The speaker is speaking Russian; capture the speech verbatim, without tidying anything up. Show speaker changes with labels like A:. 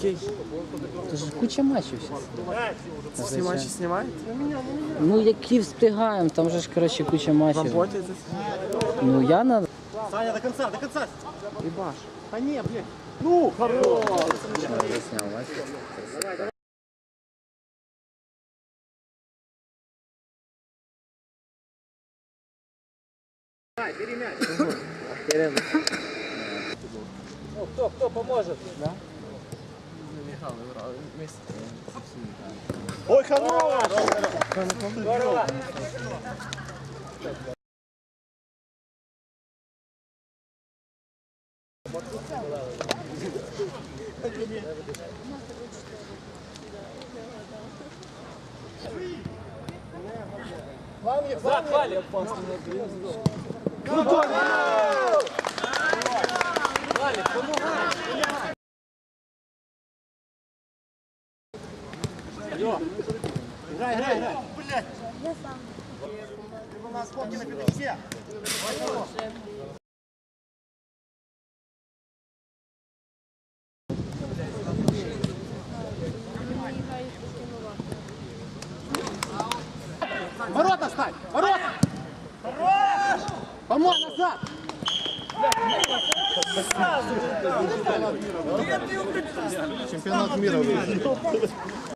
A: Який?
B: Це ж куча матчів зараз.
A: Всі матчі знімають?
B: Ну, які встигаємо, там же ж, коротше, куча матчів.
A: Роботі це
B: Ну, я на...
C: Саня, до конца, до конца.
A: їбаш.
C: Да не, блядь. Ну, хорош.
B: Засняв матч.
C: Ну, кто, кто поможет? Да? Ой, хорош. Здорово. Валик, Валик. Валик, помогай. Алло. Играй, играй, играй. Блядь. Я сам. У нас скобки на пятачке. Ворота ставь! Ворота! Хорош! Помой назад! Чемпионат мира.